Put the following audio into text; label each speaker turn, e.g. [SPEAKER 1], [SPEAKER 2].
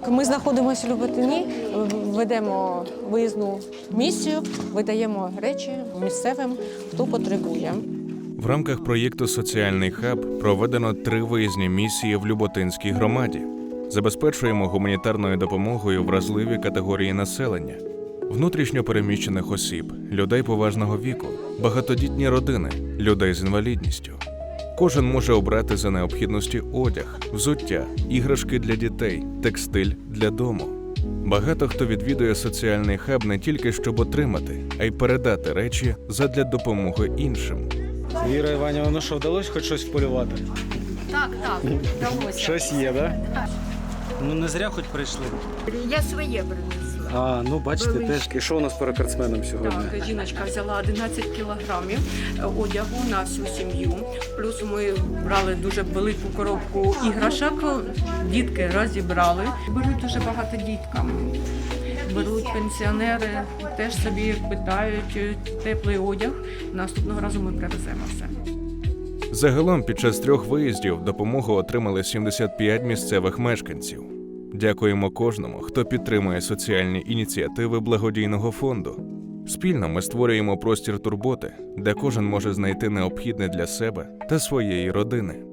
[SPEAKER 1] Ми знаходимося в Люботині, ведемо виїзну місію, видаємо речі місцевим, хто потребує.
[SPEAKER 2] В рамках проєкту «Соціальний хаб» проведено 3 виїзні місії в Люботинській громаді. Забезпечуємо гуманітарною допомогою вразливі категорії населення, внутрішньо переміщених осіб, людей поважного віку, багатодітні родини, людей з інвалідністю. Кожен може обрати за необхідності одяг, взуття, іграшки для дітей, текстиль для дому. Багато хто відвідує соціальний хаб не тільки щоб отримати, а й передати речі задля допомоги іншим.
[SPEAKER 3] Віра Іванівна, ну що, вдалося хоч щось вполювати?
[SPEAKER 4] Так, вдалося.
[SPEAKER 3] Щось є, так? Да? Ну не зря хоч прийшли.
[SPEAKER 4] Я своє принесла.
[SPEAKER 3] Ну бачите, теж. І що у нас по рекордсменам сьогодні?
[SPEAKER 5] Так, жіночка взяла 11 кілограмів одягу на всю сім'ю. Плюс ми брали дуже велику коробку іграшок, дітки розібрали. Беруть дуже багато діткам. Беруть пенсіонери, теж собі питають теплий одяг. Наступного разу ми привеземо все.
[SPEAKER 2] Загалом під час 3 виїздів допомогу отримали 75 місцевих мешканців. Дякуємо кожному, хто підтримує соціальні ініціативи благодійного фонду. Спільно ми створюємо простір турботи, де кожен може знайти необхідне для себе та своєї родини.